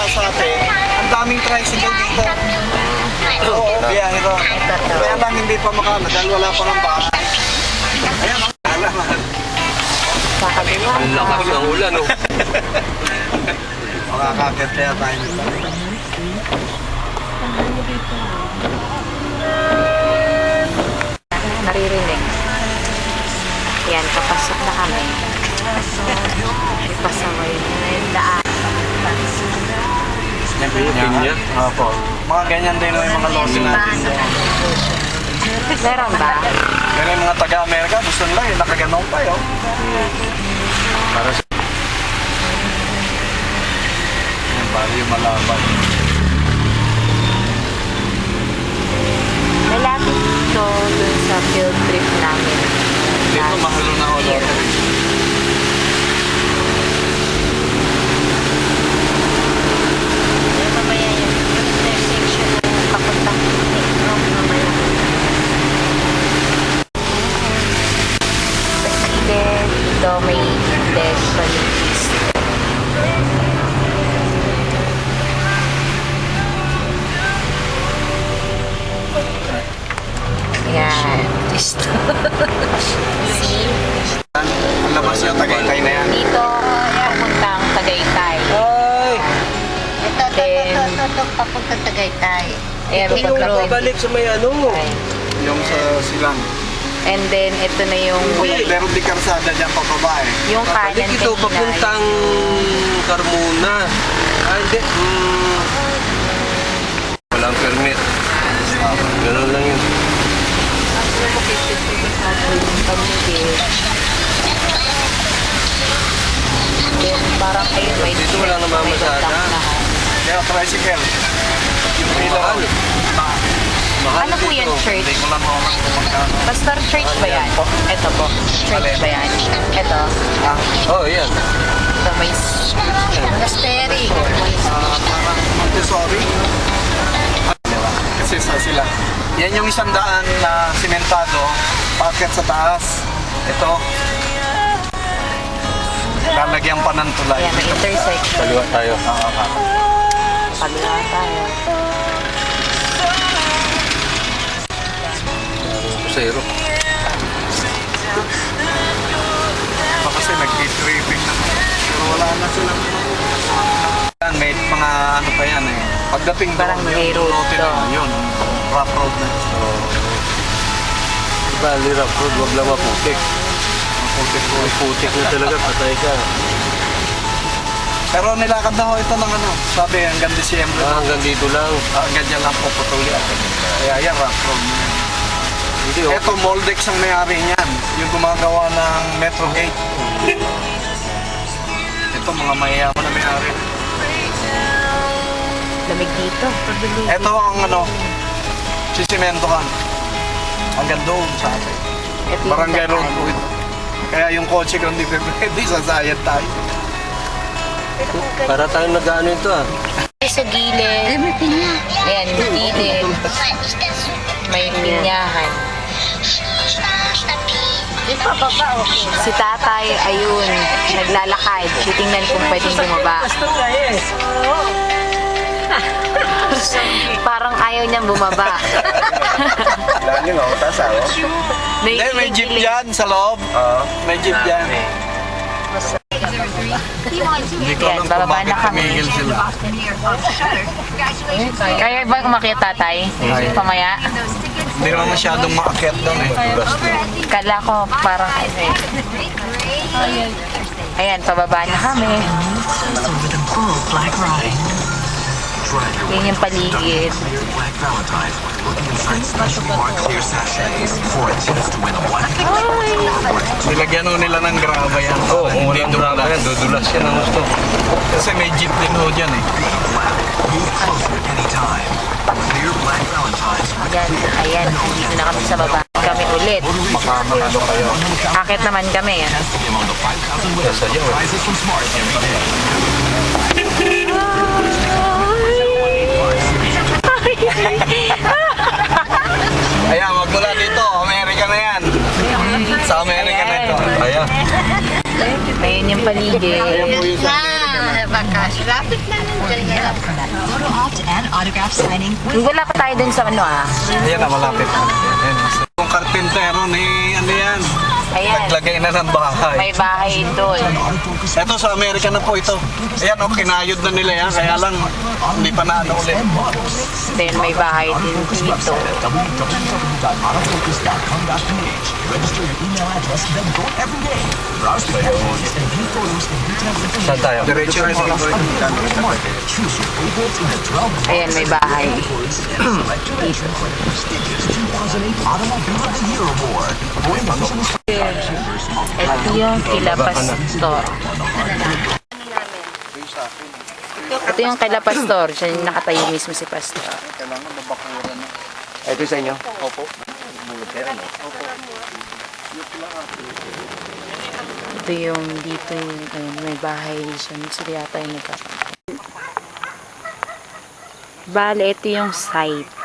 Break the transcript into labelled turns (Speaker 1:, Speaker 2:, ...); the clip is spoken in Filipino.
Speaker 1: Masate, ang daming tricycle dito. Oo, biyahe ito. Kaya lang hindi pa makana dahil wala pa ng bahay. Ayan, alaman.
Speaker 2: Ang lakas ng ulan, oh.
Speaker 1: Makakakit kaya tayo nito.
Speaker 3: Naririnig. Yan, papasok na kami. Ipasaway na yung daan.
Speaker 2: Pinya.
Speaker 1: Opo. Mga ganyan din yung mga lote natin.
Speaker 3: Meron ba?
Speaker 1: Pero yung mga taga-Amerika, gusto nila eh, nakaganong pa yun.
Speaker 2: Para sa...
Speaker 1: Yan, bali yung malaban.
Speaker 3: Malapit ito dun sa field trip namin.
Speaker 1: Dito, mahalo na ako lote.
Speaker 3: Mamaya yung intersection na papunta mamaya. Kasi dito may desolate. Yan. See?
Speaker 1: Ang labas yung Tagaytay na yan.
Speaker 3: Dito, papuntang Tagaytay.
Speaker 2: Ay!
Speaker 4: Ito, papuntang Tagaytay.
Speaker 3: Ayan,
Speaker 2: Ito yung
Speaker 3: road.
Speaker 2: babalik sa may ano.
Speaker 1: Yung sa silang.
Speaker 3: And then, ito na yung way.
Speaker 1: Meron di karsada dyan pababa eh.
Speaker 3: Yung
Speaker 2: Babalik
Speaker 3: kanan
Speaker 2: ito,
Speaker 3: kanina.
Speaker 2: papuntang Carmona. Ah, hindi. Walang permit. Ganun lang yun.
Speaker 3: Then, parang ayun, may
Speaker 2: Dito wala namamasada.
Speaker 1: Kaya tricycle. Yung ilaw.
Speaker 2: Mahal
Speaker 3: Ano po
Speaker 2: dito.
Speaker 3: yan, church?
Speaker 1: Hindi ko lang ako kung magkano.
Speaker 3: Pastor church ba yan? Ito po. Church ba yan? Ito.
Speaker 2: Oh, yan.
Speaker 3: Ito may...
Speaker 4: Monastery.
Speaker 1: Parang Montessori. Kasi sa sila. Yan yung 100 na simentado, packet sa taas. Ito. Lalagyan pa ng tulay.
Speaker 3: Ayan, may intersection.
Speaker 2: Kaliwa tayo.
Speaker 3: Pagla tayo.
Speaker 2: Zero.
Speaker 1: Kasi nag-tripping na. Pero wala na silang yan, may mga ano pa yan eh. Pagdating doon,
Speaker 3: Parang may road
Speaker 1: lote na
Speaker 3: doon.
Speaker 1: yun. Rough road na.
Speaker 2: Bali, rough road, wag lang maputik. Maputik na talaga, patay ka.
Speaker 1: Pero nilakad na ho ito ng ano. Sabi hanggang Disyembre.
Speaker 2: Ah, hanggang dito lang.
Speaker 1: Hanggang dyan lang puputuli ako. Kaya yan, rough road na yan.
Speaker 2: Hindi, oh.
Speaker 1: Ito, Moldex ang may-ari niyan. Yung gumagawa ng Metro Gate. Ito, mga mayayaman na may-ari.
Speaker 3: Lamig dito.
Speaker 1: Ito ang ano, sisimentohan. Hanggang doon sa atin.
Speaker 3: Ito yung
Speaker 1: Barangay
Speaker 3: daan.
Speaker 1: road po ito. Kaya yung kotse ko hindi pwede, sasayad tayo.
Speaker 2: Para tayong nag-ano ito, ah.
Speaker 3: Sa gilid.
Speaker 4: Ay, may pinya.
Speaker 3: Ayan, gilid. May pinyahan.
Speaker 4: Di pa baba, okay.
Speaker 3: Si tatay, ayun, naglalakad. Titingnan kung pwedeng bumaba. Parang ayaw niyang bumaba.
Speaker 1: Dali mo, tasa o? Hindi, may jeep dyan sa loob. May jeep dyan. Hindi ko
Speaker 3: Yan,
Speaker 1: alam kung
Speaker 3: bababa
Speaker 1: bakit
Speaker 3: na kami.
Speaker 1: tumigil sila.
Speaker 3: Kaya ba umakyat tatay? Pamaya?
Speaker 1: Hindi naman masyadong maakyat doon eh.
Speaker 3: Kala ko parang ano eh. Ayan, pababa na kami. Yan yung paligid.
Speaker 1: Nilagyan ho nila ng graba yan.
Speaker 2: Oo, oh,
Speaker 1: Hindi
Speaker 2: walang drama yan. Dudulas yan ang gusto.
Speaker 1: Kasi may jeep din ho dyan eh.
Speaker 3: Ayan, ayan. Dito na kami sa baba. Kami ulit.
Speaker 1: Makamanalo kayo.
Speaker 3: Akit naman kami. Ah.
Speaker 2: Nasa dyan, oh.
Speaker 1: Ayan, magmula dito. Amerika na yan. Sa Amerika na ito.
Speaker 2: Kaya.
Speaker 3: Ayun yung paligid.
Speaker 1: Ayan po yung sa Amerika na.
Speaker 4: Bakasyon. Lapit na lang dyan na lang.
Speaker 5: Photo opt and autograph signing with
Speaker 3: Wala pa tayo dun sa ano
Speaker 1: Ayan na, malapit na. Ayan. Yung karpintero ni, ano yan,
Speaker 3: Ayan.
Speaker 1: naglagay na ng bahay.
Speaker 3: May bahay doon.
Speaker 1: Ito sa Amerika na po ito. Ayan, oh, kinayod na nila yan, kaya lang hindi pa na ano ulit.
Speaker 3: Then may bahay din dito.
Speaker 2: Saan tayo?
Speaker 1: Diretso na sige po.
Speaker 3: Ayan, may bahay. Dito. Ito yung kila Pastor. Ito yung kila Pastor. Siya yung nakatayo mismo si Pastor.
Speaker 1: Kailangan mabakuran na.
Speaker 2: Ito sa inyo?
Speaker 1: Opo.
Speaker 3: Ito yung dito yung ayun, may bahay siya. Sila yata yung nagkakaroon. Bale, ito yung site.